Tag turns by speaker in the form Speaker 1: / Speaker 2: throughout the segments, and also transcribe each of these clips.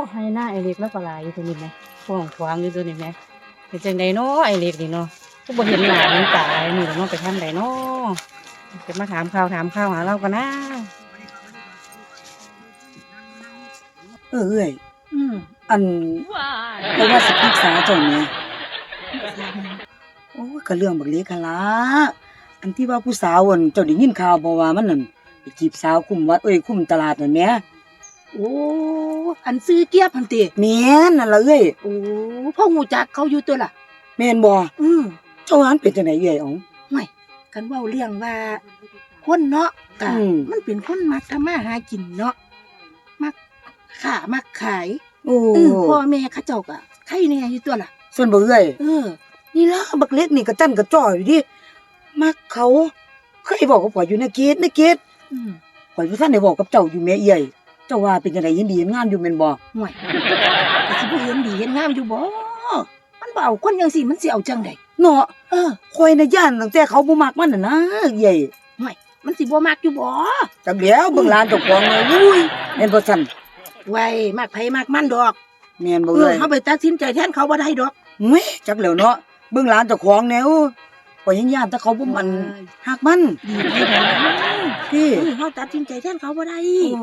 Speaker 1: ให้หน้าไอเล็กแล้วก็หลายอยู่ตัวนี้แหมฟ้องขวางอยู่ตัวนี้แหมเป็นจังได๋เนาะไอเล็กนี่เนาะก็บ่เห็นหน้าเห็นตาไอ้นี่แล้วเนาะไปทำไดเนาะจะมาถามข่าวหาเรากันนะ
Speaker 2: เอ้ย
Speaker 1: อืม
Speaker 2: อันเพราะว่าสิปรึกษาเจ้าแหม่โอ้ยก็เรื่องบักเล็กหั่นล่ะอันที่ว่าผู้สาวอั่นเจ้าได้ยินข่าวบ่ว่ามันนั่นไปจีบสาวคุมวัดคุมตลาดนั่นแหม
Speaker 3: โอ้อันซื้อเกียบหั่นติ
Speaker 2: แม่นนั่นล่ะ
Speaker 3: โอ้พ่อฮู้จักเขาอยู่ตัวล่ะ
Speaker 2: แม่นบ่
Speaker 3: อืม
Speaker 2: เจ้าหันเป็นจังได๋อ๋อง
Speaker 3: ห่วยกันเว้าเรื่องว่าคนเนาะก็มันเป็นคนมักทำมาหากินเนาะมักค้ามักขายพ่อแม่เขาเจ้าก็ใครแน่อยู่ตัวล่ะ
Speaker 2: ส่วนบ่นี่ล่ะบักเล็กนี่ก็จั่นก็จ้ออยู่ดิมักเขาเคยบอกกับข่อยอยู่ในเกตข่อยบ่ทันได้บอกกับเจ้าอยู่แม่เจ้าว่าเป็นจังได๋ยินดีเฮ็ดงานอยู่แม่นบ่
Speaker 3: ห่วยก็สิบ่เห็นดีเห็นงามอยู่บ่มันบ่เอาคนจังซี่มันสิเอาจังได๋
Speaker 2: เนาะข่อยน่ะย้านตั้งแต่เขาบ่มักมันน่ะนะ
Speaker 3: ห่วยมันสิบ่มักอยู่บ่
Speaker 2: จักแล้วเบิ่งหลานเจ้าของเลยอุ้ยแม่นบ่ซั่น
Speaker 3: ไว้มักไผมักมันดอก
Speaker 2: แม่นบ่
Speaker 3: เฮาไปตัดสินใจแทนเขาบ่ได้ดอก
Speaker 2: จักแล้วเนาะเบิ่งหลานเจ้าของแนวข่อยยังย้านแต่เขาบ่มันฮักมัน
Speaker 3: ดีพี่เฮาตัดสินใจแทนเขาบ่ได้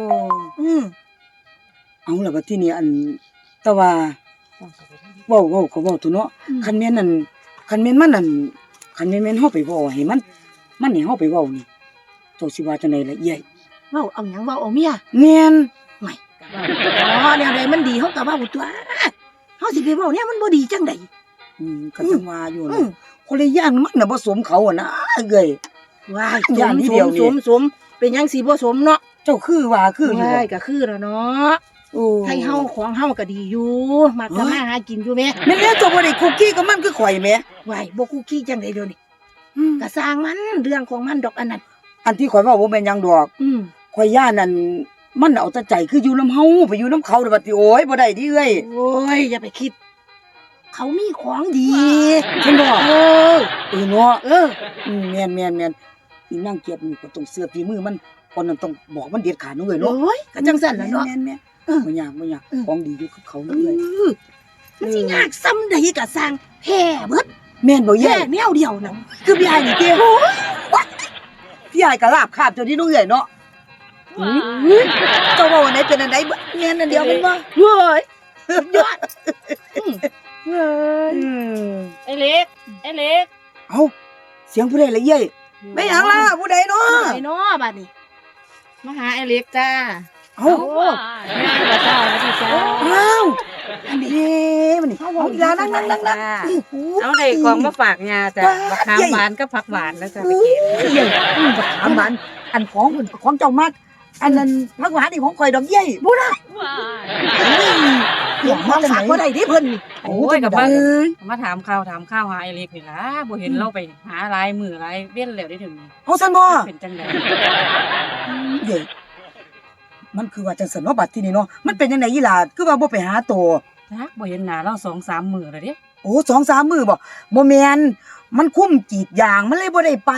Speaker 2: เอาล่ะบัดทีนี้อันแต่ว่าเว้าก็เว้าตุเนาะคันแม่นนั่นคันแม่นมันนั่นคันแม่นเฮาไปเว้าให้มันให้เฮาไปเว้านี่เจ้าสิว่าจังได๋ล่ะ
Speaker 3: เว้าเอาหยังเว้าเอาเมีย
Speaker 2: แม่น
Speaker 3: ไม่แนวใดมันดีเฮาก็เว้าตัวเฮาสิไปเว้าเนี่ยมันบ่ดีจังได๋
Speaker 2: ก็จังว่าอยู่นะคนละย่านมันน่ะบ่สมเขาอ่ะนะ
Speaker 3: ว้ายย่านนี้เดียวนี่สมเป็นหยังสิบ่สมเนาะ
Speaker 2: เจ้าคือว่าคืออยู่
Speaker 3: ว้ายก็คือแล้วเนาะให้เฮาของเฮาก็ดีอยู่มักทำมาหากินอยู่แม่
Speaker 2: แม่นแล้วเจ้าบ่ได้คุกกี้กับมันคือข่อยแม่
Speaker 3: ว้ายบ่คุกกี้จังได๋เดี๋ยวนี้ก็สร้างมันเรื่องของมันดอกอันนั้น
Speaker 2: อันที่ข่อยเว้าบ่แม่นหยังดอกข่อยย่านนั่นมันเอาแต่ใจคืออยู่นำเฮาไปอยู่นำเขาเด้อบัดนี้โอ้ยบ่ได้ดิ
Speaker 3: โอ้ยอย่าไปคิดเขามีของดี
Speaker 2: เห็นบ่
Speaker 3: เนาะ
Speaker 2: แม่นอีนางเกียบนี่ก็ต้องเชื่อฝีมือมันคนนั้นต้องบอกมันเด็ดขาดเนาะเนาะ
Speaker 3: โอ้ยก็จังซั่นล่ะเนาะ
Speaker 2: แม่นบ่ยากของดีอยู่กับเขาเนาะ
Speaker 3: มันสิยากซ้ำใดก็สร้างแพ้เบิด
Speaker 2: แม่นบ่แย่
Speaker 3: แนวเดียวน่ะ
Speaker 2: คือพี่อ้ายนี่เด้โอ้ยพี่อ้ายก็ลาบคาบเจ้านี่เนาะเนาะเจ้าว่าวันไหนเป็นอันใดแม่นอันเดียวแม่นบ่
Speaker 3: เฮ้ยยอด
Speaker 1: ไอเล็ก
Speaker 2: เอ้าเสียงผู้ใดล่ะไม่หยังล่ะผู้ใดเนาะ
Speaker 3: บัดนี้
Speaker 1: มาหาไอเล็กจ้า
Speaker 2: เอ้า
Speaker 1: ย่างบ่จ้า
Speaker 2: อ้าวอันนี้มันนี่เอาอีหลานั่ง
Speaker 1: เอาได้ของมาฝากยาจ้ะบักขามหวานกับผักหวานแล้วจ้ะไปเก็บ
Speaker 2: บักขามหวานอันของเจ้ามากอันนั้นผักหวานนี่ของข่อยดอกบ่ล่ะ
Speaker 3: เดี๋ยวมาฝากบ่ได้ดิเพิ่น
Speaker 1: โอ้ยกับมาถามข่าวหาไอเล็กนี่ล่ะบ่เห็นเราไปหาหลายมื้อหลายเว้นแล้วได้ถึง
Speaker 2: เอาซั่นบ่
Speaker 1: เป็นจังได๋
Speaker 2: มันคือว่าจังซั่นเนาะบัดทีนี้เนาะมันเป็นจังได๋อีหล่ะคือว่าบ่ไปหาตัว
Speaker 1: จักบ่เห็นหน้าเรา 2-3 มื้อแล้วเด้
Speaker 2: โอ้ 2-3 มื้อบ่แม่นมันคุ้มกรีดยางมันเลยบ่ได้ไป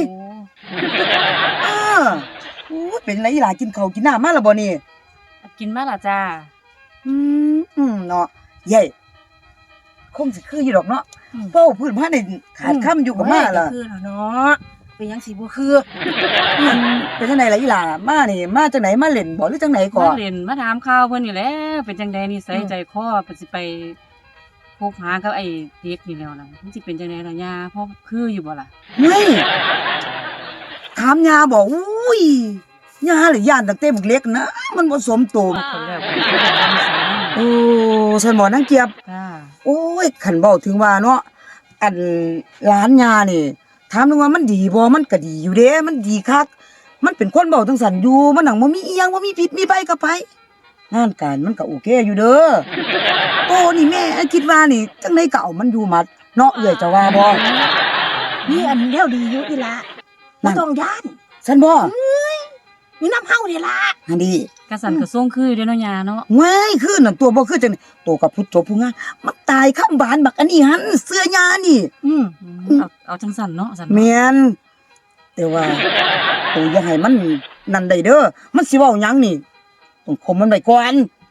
Speaker 2: โอ้เป็นไรอีหล่ะกินข้าวกินน้ำมาแล้วบ่นี่
Speaker 1: กินมาล่ะจ้า
Speaker 2: เนาะคงสิคืออยู่ดอกเนาะเว้าพื้นมาได้ขาดคำอยู่กับมาล่ะ
Speaker 3: คือแล้วเนาะเป็นหยังสิบ่คือ
Speaker 2: เป็นจังได๋ล่ะอีหล่ะมานี่มาจังได๋มาเล่นบ่หรือจังได๋ก่อ
Speaker 1: มาเล่นมาถามข่าวเพิ่นนี่แหละเป็นจังได๋นิสัยใจคอเพิ่นสิไปคบหากับไอ้เด็กนี่แล้วล่ะมันสิเป็นจังได๋ล่ะย่าพอคืออยู่บ่ล่ะ
Speaker 2: เฮ้ยถามย่าบ่อุ้ยย่าหรือย่านตั้งแต่บักเล็กนะมันบ่สมโตโอ้ซั่นบ่นางเกียบ
Speaker 1: จ้า
Speaker 2: โอ้ยคันเว้าถึงว่าเนาะอันหลานย่านี่ถามถึงว่ามันดีบ่มันก็ดีอยู่เด้มันดีคักมันเป็นคนเว้าจังซั่นอยู่มันนั่งบ่มีอีหยังบ่มีพิษมีภัยกับไผงานการมันก็โอเคอยู่เด้อโอ้นี่แม่คิดว่านี่จังได๋ก็เอามันอยู่หมัดเนาะเอื้อยจะว่าบ่
Speaker 3: นี่อันแนวดีอยู่อีหล่ะบ่ต้องย้าน
Speaker 2: ซั่นบ่
Speaker 3: มีน้ำเฮานี่ล่ะ
Speaker 2: อันนี้
Speaker 1: กะสั่นกะส่งคือเด้อเนาะย่าเนาะ
Speaker 2: เว้ยคือนั่นตัวบ่คือจังตัวกับพุทธผู้งานมันตายคำบานบักอันนี้หันเสื้อย่านี่
Speaker 1: เอาจังสั่นเนาะสั่น
Speaker 2: แม่นแต่ว่าตัวอย่าให้มันนั่นได้เด้อมันสิเว้าหยังนี่ต้องข่มมันไว้ก่อน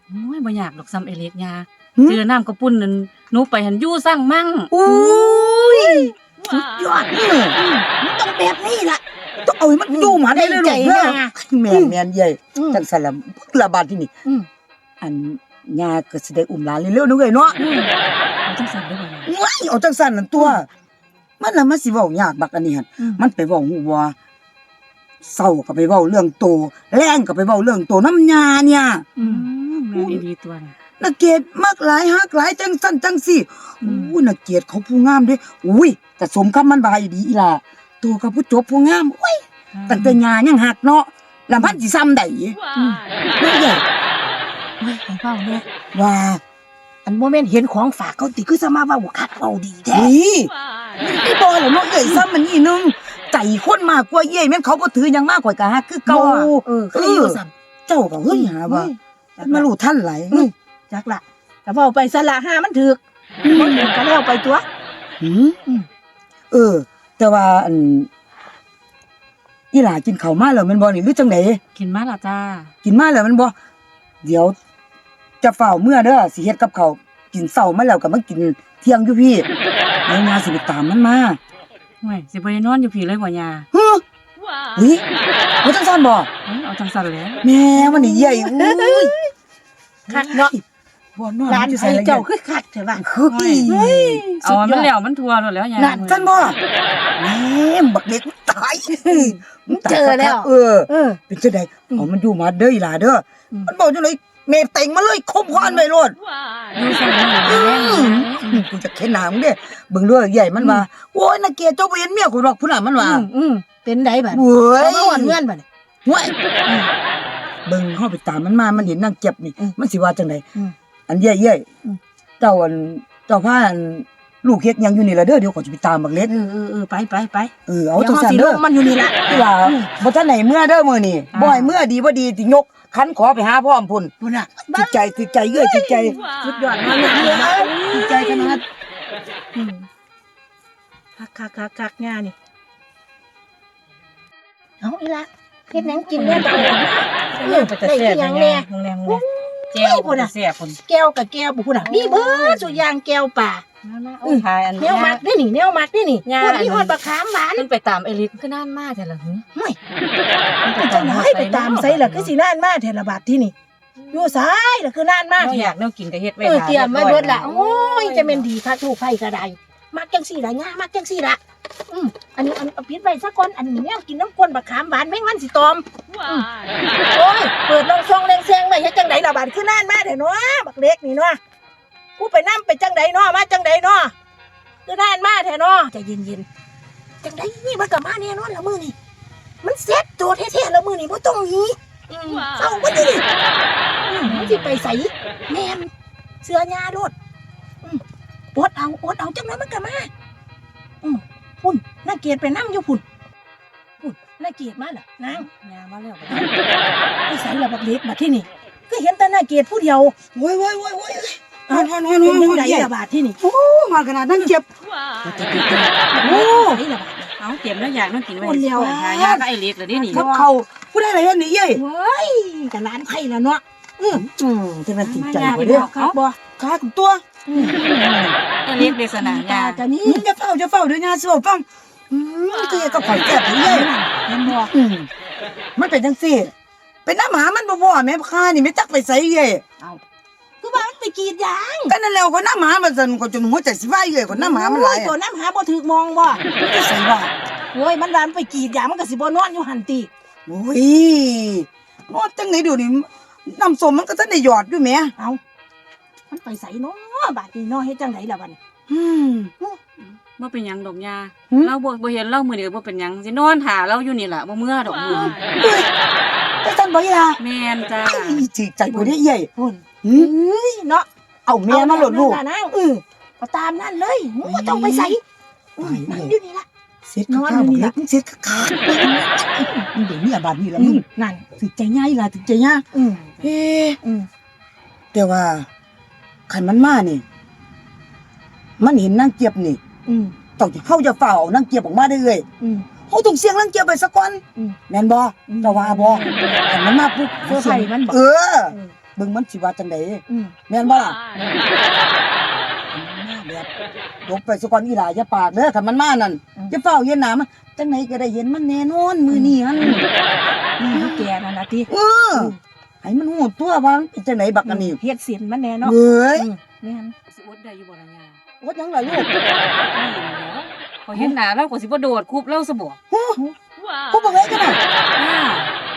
Speaker 1: โอ้ยบ่อยากดอกซ้ำไอ้เล็กยา
Speaker 2: หึ
Speaker 1: เจอน้ำกระปุ่นนั่นหนูไปหันอยู่สร้างมั่ง
Speaker 2: อุ้ยสุดยอด
Speaker 3: มันต้องแบบนี้ล่ะ
Speaker 2: ต้องเอาให้มันอยู่หมาได้เลยลูก
Speaker 3: ใจ
Speaker 2: เด้อ
Speaker 3: นะ
Speaker 2: แม่นใหญ่
Speaker 3: อืม
Speaker 2: จังซั่นล่ะระบาดที่นี่
Speaker 3: อืม
Speaker 2: อันยาก็สิได้อุ้มหลานเร็วๆนึกเอ้ยเนาะ
Speaker 1: เอาจังซั่นเด้อบ่ยา
Speaker 2: ว้ายเอาจังซั่นนั่นตัว มันน่ะมันสิเว้ายากบักอันนี้หั่น
Speaker 3: อืม
Speaker 2: มันไปเว้าฮู้ว่าเศร้าก็ไปเว้าเรื่องโตแรงก็ไปเว้าเรื่องโตน้ำยาเนี่ย
Speaker 3: อืม
Speaker 1: แม่นอีดีตัวน่ะ
Speaker 2: นักเกียรติมักหลายฮักหลายจังซั่นจังซี่
Speaker 3: อืม
Speaker 2: อู้นักเกียรติเขาผู้งามเด้อุ้ยก็สมคำมันบายดีอีหล่ะตัวกับผู้จบผู้งามโอ้ยตั้งแต่ยายังหักเนาะแล้วพันสิซ้ำได้
Speaker 3: อืม
Speaker 2: เด้อใหญ่
Speaker 3: เฮ้ยให้เว้าเนี่ย
Speaker 2: ว่า
Speaker 3: อันโมเมนต์เห็นของฝากเขาติคือสมาว่าคักเว้าดีแท้
Speaker 2: นี่นี่บ่ล่ะเนาะเอ้ยซ้ำมันนี่นึงใจคนมากกว่าเย้ยแม่นเขาบ่ถือหยังมากกว่าก็ฮักคือเก่าอะ
Speaker 3: ก็เลยอยู่สั่น
Speaker 2: เจ้าก็เฮ้ยหาว่ามันมารู้ทันหลาย
Speaker 3: จักละแต่เว้าไปสละห้ามันถึกบ่ถึกก็แล้วไปตัว
Speaker 2: หืม
Speaker 3: อืม
Speaker 2: แต่ว่าอันอีหลากินข้าวมาแล้วแมันบ่นี่หรือจังได
Speaker 1: กินมาล่ะจ้า
Speaker 2: กินมาแล้วแมันบ่เดี๋ยวจะเฝ้าเมื่อเด้อสิเฮ็ดกับข้าวกินเช้ามาแล้วก็มากินเที่ยงอยู่พี่เดี๋ยวยาสิไปตามมันมา
Speaker 1: โอ้ยสิบ่ได้นอนอยู่พี่เลยบ่ยา
Speaker 2: ฮึอุ้ยบ่จังซั่นบ่
Speaker 1: เอาจังซั่นแหล้ว
Speaker 2: แม่มันนี่ใหญ่อุ้ย
Speaker 3: คักเนาะ
Speaker 2: บ่นอน
Speaker 3: ร้าน
Speaker 2: อยู่
Speaker 3: ไอ้
Speaker 2: ละ
Speaker 3: เจ้าคือคักเถอะว่า
Speaker 2: คืออี
Speaker 1: เอาอันมันแล้วมันทั่วแล้วยา
Speaker 2: นั่นซั่นบ่แม่บักเล็กตายมึงตาย
Speaker 3: เจอแล้ว
Speaker 2: เออ
Speaker 3: เออ
Speaker 2: เป็นจังได๋เอามันอยู่มาเด้ออีหลาเด้ออ
Speaker 3: ม
Speaker 2: มันบอกจังได๋แม่เต็งมาเลยคมควานไว้โลด
Speaker 1: อยู่สร้างมั่ง
Speaker 2: อื
Speaker 1: แรง
Speaker 2: มกูจะเข็นหน้ามึงเด้เบิ่งเด้อใหญ่มันว่าโอ้ยน่าเกลียดเจ้าบ่เห็นเมียกูหรอกพุ่นน่ะมันว่า
Speaker 3: เป็นไดบัด
Speaker 2: เว้ย
Speaker 3: เอามาหวนเงินบัด
Speaker 2: เว้ยเบิ่งเฮาไปตามมันมามันเห็นนางเจ็บนี่
Speaker 3: อืม
Speaker 2: มันสิว่าจังได
Speaker 3: อืม
Speaker 2: อันเย้ย
Speaker 3: อืม
Speaker 2: เจ้าอันเจ้าพาอันลูกเฮ็ดหยังอยู่นี่ล่ะเด้อเดี๋ยวขอยจะไปตามบักเล็ก
Speaker 3: ไป
Speaker 2: เอาจังซั่น
Speaker 3: ดี๋
Speaker 2: เด้
Speaker 3: ยว
Speaker 2: อ
Speaker 3: ขาสิลงมันอยู่นี่ล่ะ
Speaker 2: ที่ว่าบ่ทันไหนเมื่อเด้อมื้อนี้บ่ให้เมื่อดีบ่ดีสิยกคันขอไปหาพ่อมพุ่น
Speaker 3: พุ่นน่ะ
Speaker 2: จิตใจเอ้ยจิตใจ
Speaker 3: สุดยอดมากเลย
Speaker 2: จิตใจขนาด
Speaker 3: คักง่านี่เอาอีละเฮ็ดหยังกินแน่ตอนนี้
Speaker 1: เรื่องไปแต่แซ่บ
Speaker 3: ได้
Speaker 1: ยัง
Speaker 3: แน่
Speaker 1: โรงแรมเลยแก้วพุ่นน่ะแซ่บพุ่น
Speaker 3: แก้วกับแก้วบุพุ่นน่ะมีเบิดสุอย่างแก้วป่า
Speaker 1: มาๆโอ้ยทายอัน
Speaker 3: แนวมักนี่นี่แนวมักนี่นี่
Speaker 1: ย่า
Speaker 3: พวกนี้ฮอดบักขามหวาน
Speaker 1: มันไปตามไอ้ลิศคือนานมากแต่ละหึ
Speaker 3: ห่วย
Speaker 1: มัน
Speaker 3: ไปจังได๋ไปตามไสล่ะคือสินานมาแท้ละบาดที่นี่อยู่ไสายล่ะคือนานมา
Speaker 1: บ่
Speaker 3: แท้
Speaker 1: อยากแนวกินก็เฮ็ดไว้
Speaker 3: เตรียมไว้เบิดละโอ้ยจะเป็นดีค่ะถูกไผก็ได้มักจังซี่ล่ะย่ามักจังซี่ล่ะอันนี้อันปิดไว้ซะก่อนอันนี้แนวกินน้ำก้นบักขามหวานแม่งมันสิตอมโอ้ยเปิดลองซองแรงแซงไว้เฮ็ดจังไดล่ะบาดคือนานมาแท้เนาะบักเล็กนี่เนาะกูไปนำไปจังไดเนาะมาจังไดเนาะคือนานมาแท้เนาะใจเย็นๆจังไดนี่มันก็มาแน่นอนละมื้อนี่มันเซ็ตตัวแท้ๆละมื้อนี่บ่ต้องหนีเศร้าบ่ดิมันสิไปไสแม่นเสื้อยาโลดอดเอาจังไดมันก็มาพุ่นน่าเกลียดไปนำอยู่พุ่นน่าเกลียดมาล่ะนาง
Speaker 1: ยามาแล้ว
Speaker 3: ไอ้ใส่ละบักเล็กบัดที่นี่ก็เห็นแต่น่าเกลียดผู้เดียว
Speaker 2: โอ้ยฮอน
Speaker 3: เป็นจังไดละบาดที่นี่
Speaker 2: โอ้มาขนาดนั้นเจ็บ
Speaker 3: โอ้ไอ้ละบาด
Speaker 1: เอาเตรียมแล้วอยากนั่งกินไว้
Speaker 3: คนเดียว
Speaker 1: ทายาก็ไอ้ลิศเลยนี่
Speaker 2: กับเขาผู้ใดอะไรเฮ็ดนี่เย้ย
Speaker 3: เว้ยกับร้านไผ่ละเนาะ
Speaker 2: จะมันติดใจ
Speaker 3: ยา
Speaker 2: บ่
Speaker 3: ไป
Speaker 2: เด้อ
Speaker 3: ครับบ่
Speaker 2: ขาของตัว
Speaker 1: ไอ้ลิศเดสนายา
Speaker 3: ตานี้
Speaker 2: จะเฝ้าเดี๋ยวยาสิบอกฟังก็ยังกับข่อยแซ่บนี่เย้ย
Speaker 3: เห็นบ่
Speaker 2: มันเป็นจังซี่เป็นน้ำหมามันบ่แม่ค้านี่ไม่จักไปไสเย้ย
Speaker 3: คือว่ามันไปกรีดยาง
Speaker 2: ก็นั่นแล้วคนน้ำหมามันสั่นก็จนหัวใจสิวายเย้ยคนน้ำหมามันหลาย
Speaker 3: ตัวน้ำหาบ่ถึกมองบ่
Speaker 2: จะใส่ว่า
Speaker 3: โอ้ยมันร้านไปกรีดยางมันก็สิบ่นอนอยู่หั่นติ
Speaker 2: โอ้ยนอดจังไหนเดี๋ยวนี้น้ำส้มมันก็ทันได้หยอดอยู่แหม
Speaker 3: เอามันไปใส่เนาะบาดนี้เนาะเฮ็ดจังไดล่ะบัดนี้
Speaker 1: บ่เป็นหยังดอกยา
Speaker 2: หืม
Speaker 1: เราบ่เห็นเรามื้อนี้บ่เป็นหยังสินอนหาเราอยู่นี่ล่ะบ่เมื่อดอกมื้อ
Speaker 2: เฮ้ยจะสั่นบ่อีล่ะ
Speaker 1: แม่นจ้า
Speaker 2: จิใจบ่ได้เย้ย
Speaker 3: พุ่น
Speaker 2: หืม
Speaker 3: เอ้ยเนาะ
Speaker 2: เอาแม่มาโหลดลูก
Speaker 3: เอานางเอาตามนั่นเลยบ่ต้องไปใส่นั่นอยู่นี่ล่ะ
Speaker 2: เซ็ตข้าวบอกเล็กมึงเซ็ตข้าวมึงเดี๋ยวนี้บาดนี้แล้วมึง
Speaker 3: นั่น
Speaker 2: ถึงใจง่ายล่ะถึงใจง่ายเฮ้ แต่ว่าขันมันมานี่ มันเห็นนางเจี๊ยบนี่ต้องเฮาจะเฝ้าเอานางเจี๊ยบออกมาได้เลยเฮาต้องเสียงนางเจี๊ยบไปสักก่อนแม่นบ่เจ้าว่าบ่ขันมันมาปุ๊บ
Speaker 3: เสื้อไผ่มันบ่
Speaker 2: เออเบิ่งมันสิว่าจังได๋
Speaker 3: อืม
Speaker 2: แม่นบ่ล่ะแบบยกไปซะก่อนอีหลาอย่าปากเด้อคันมันมานั่นอย่าเฝ้าเย็นหน้ามันจังไหนก็ได้เห็นมันแน่นอนมื้อนี้หั่น
Speaker 3: นี่เขาแก่นั่นล่ะติ
Speaker 2: ให้มันฮู้ตัวว่ามันเป็นจังไดบักอันนี้
Speaker 3: เฮ็ดเสียนมันแน่เนาะ
Speaker 2: เอ้ย
Speaker 3: แม่น
Speaker 1: สิอดได้อยู่บ่ล่ะยา
Speaker 2: ว่าจังล่ะลูก
Speaker 1: พอเห็นหน้าเราก็สิบ่โดดคุบเราซะบ่
Speaker 2: กูบอกเลยกันน่ะ
Speaker 1: อ้า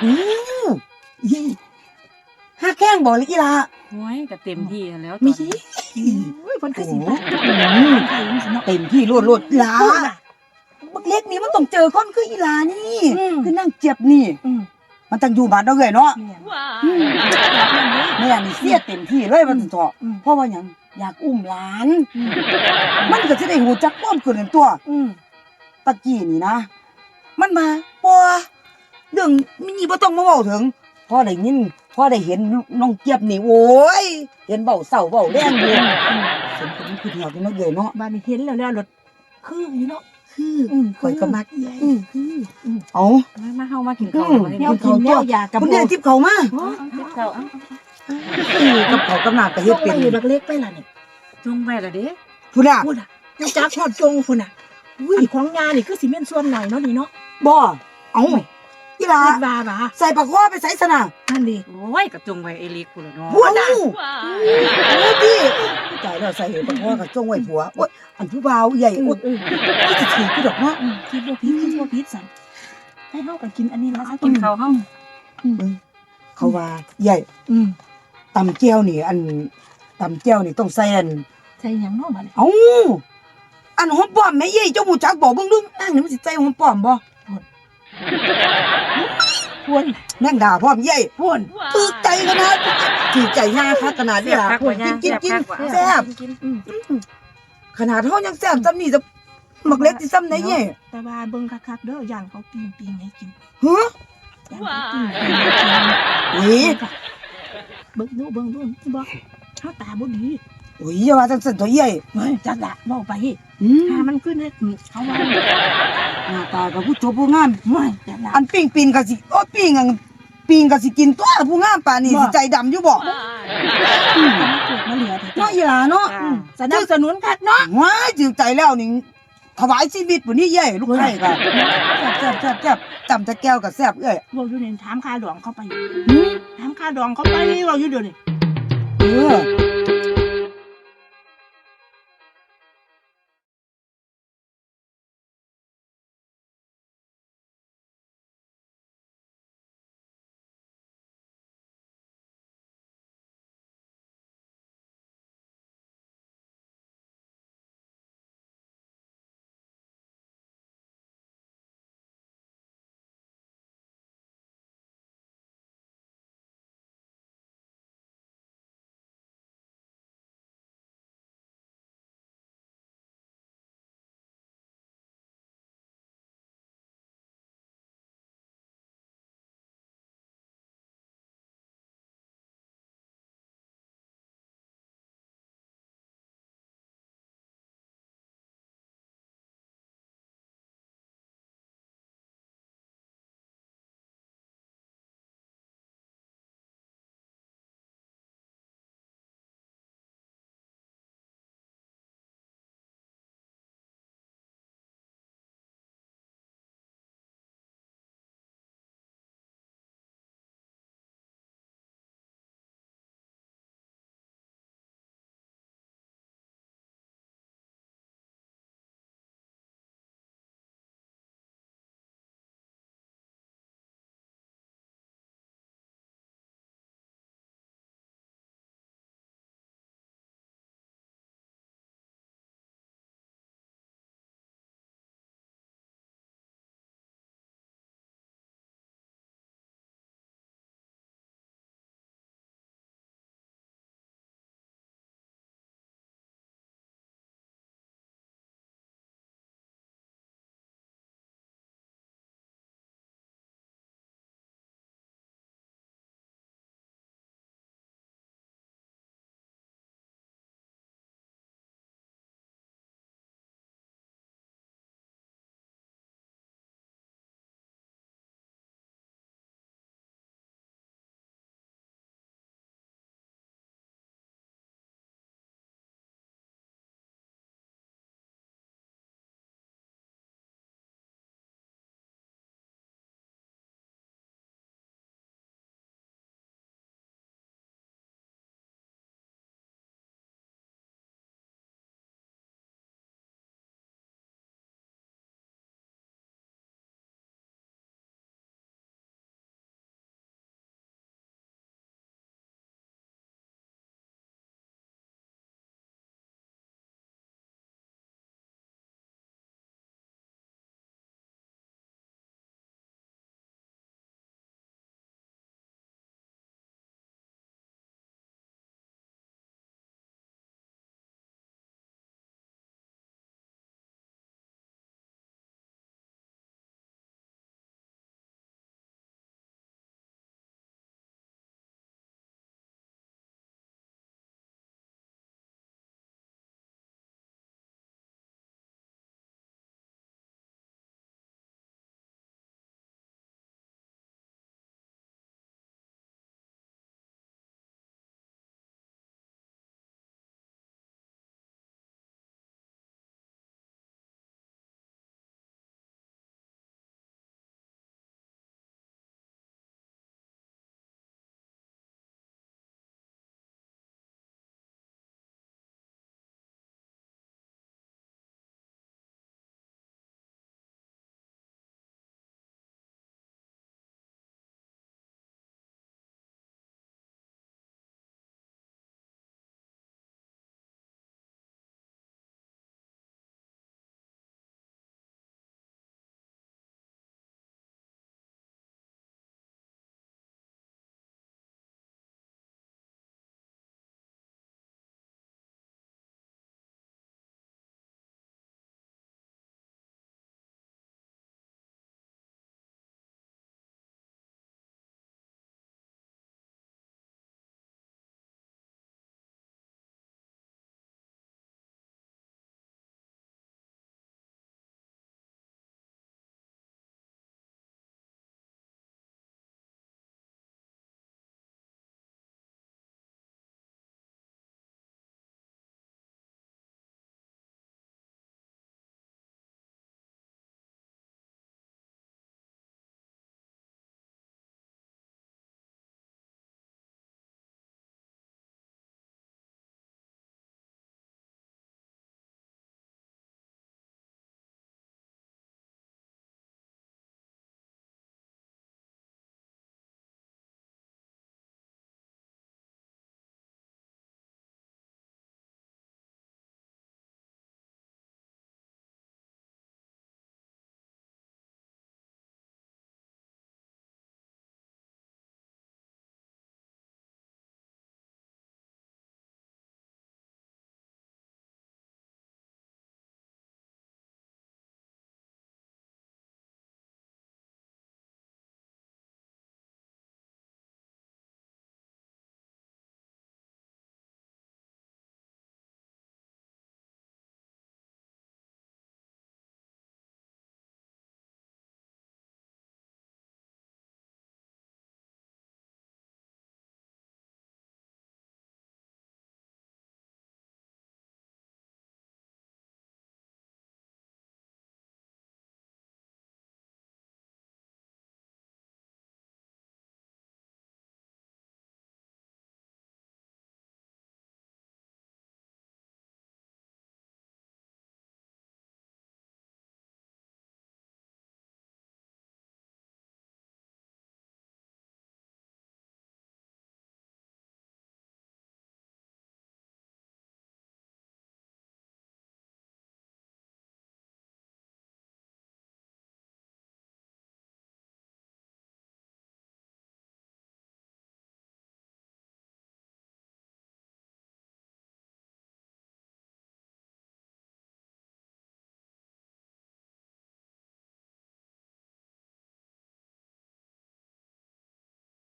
Speaker 2: ฮักแข้งบ่เลยอีหล่ะ
Speaker 1: โอ้ยก็เต็มที่แล้ว
Speaker 2: มี
Speaker 3: โอ้ยเพิ่นคือสิ
Speaker 2: โอ้
Speaker 3: บ่
Speaker 2: โห
Speaker 3: ใครมันสิเนาะ
Speaker 2: เต็มที่โลดหลาบักเล็กนี่มันต้องเจอคนคืออีหลานี่ คือนั่งเจ็บนี่
Speaker 3: อืม
Speaker 2: มันต้องอยู่บ้านเราเลยเนาะ
Speaker 3: แม่น
Speaker 2: แม่นี่เสียเต็มที่เลยมันเถาะ
Speaker 3: อืม
Speaker 2: เพราะว่าหยังอยากอุ้มหลาน
Speaker 3: อืม
Speaker 2: มันก็สิได้ฮู้จักความเกินตัว
Speaker 3: อืม
Speaker 2: ตะกี้นี่นะ มันมาบ่เรื่องมินี่บ่ต้องมาเว้าถึงพอได้ยินพอได้เห็นน้องเจี๊ยบนี่โอ้ยเห็นเบ้าเศร้าเบ้าแรงอยู่สมเป็นคือเหี่ยวที่มันเลยเนาะ
Speaker 3: บ้านนี้เห็นแล้วรถคืออยู่เนาะ
Speaker 2: คือข่อยก็มัก
Speaker 3: ใหญ่
Speaker 2: เอา
Speaker 1: มาเฮามากินข้าว
Speaker 3: แนวกินแนวยากระ
Speaker 2: คุณ
Speaker 3: โบ
Speaker 2: เรียนทิพย์เขามา
Speaker 1: ข้าวเอ้า
Speaker 2: กับเขากำนาก็เฮ็ดเป็น
Speaker 3: อยู่เล็กๆไปล่ะนี่
Speaker 1: จงไว้ล่ะเด้
Speaker 2: พุ่นน่ะ
Speaker 3: พูดอ่ะยังจักฮอดจงพุ่นน่ะอุ้ยของยานี่คือสิแม่นส่วนหน่อยเนาะนี่เนาะ
Speaker 2: บ่เอาอีหลา
Speaker 3: คิดว่าบ่า
Speaker 2: ใส่ปากคอไปใส่สนะ
Speaker 3: นั่นดิ
Speaker 1: โอ้ยก็จงไว้ไอ้เล็กพุ่นล่ะเนาะ
Speaker 2: พุ่นน่ะโอ้ยพี่ใจแล้วใส่ปากคอกับจงไว้ผัวโอ้ยอันผู้บ่าวใหญ่โอ้ยที่จะถือคือดอกเนาะ
Speaker 3: คิดว่าพิษสั่นให้เฮากันกินอันนี้แล้ว
Speaker 1: กินข้าวเฮา
Speaker 2: เขาว่าใหญ่
Speaker 3: อืม
Speaker 2: ตำแก้วนี่อันตำแก้วนี่ต้องใส่อัน
Speaker 3: ใส่หยังเนาะบัดนี้
Speaker 2: เอ้าอันหอมป้อมแม่เย่เจ้าหูจักบอกเบิ่งดูนั่งนี่มันสิใส่หอมป้อมบ่
Speaker 3: พวน
Speaker 2: แม่งด่าพร้อมเย่
Speaker 3: พวน
Speaker 2: ถูกใจขนาดถูกใจยาคักขนาดนี้ล่ะ
Speaker 1: คักว่าย่า
Speaker 2: กิน
Speaker 1: แซ่บ
Speaker 2: แซ่บขนาดเฮายังแซ่บซ้ำนี่จะมักเล็กสิซ้ำไหนเย่
Speaker 3: แต่ว่าเบิ่งคักๆเด้อย่างเขาปิ้งให้กิน
Speaker 2: ฮะ
Speaker 3: ย่างเขาปิ้งให้กิน
Speaker 2: อุ้ย
Speaker 3: เบิ่งดูบ่เฮาตาบ่ดี
Speaker 2: อุ้ยอย่าว่าจังซั่นตัวเย่
Speaker 3: เฮ้ยจักละเว้าไป ถ้ามันขึ้นเนี่ยเขาว่า
Speaker 2: หน้าตาก็ผู้จบผู้งาม
Speaker 3: ไม่จักละ
Speaker 2: อันปิ้งก็สิโอ้ปิ้งก็สิกินตัวผู้งามป่านนี้สิใจดำอยู่บ่
Speaker 3: มาเกิดมาเหลือ
Speaker 2: เนาะอีหลาเนาะ
Speaker 3: สนับสนุนคักเนาะ
Speaker 2: ว้ายจือใจแล้วนี่ถวายชีวิตปุ่นนี่เย่ลูกไข่ก็แซ่บจำจะแก้วกับแซ่บเอ้ย
Speaker 3: เราอยู่เนี่ยถามค่าดองเขาไปถามค่าดองเขาไปเราอยู่เดี๋ยวนี้
Speaker 2: เออ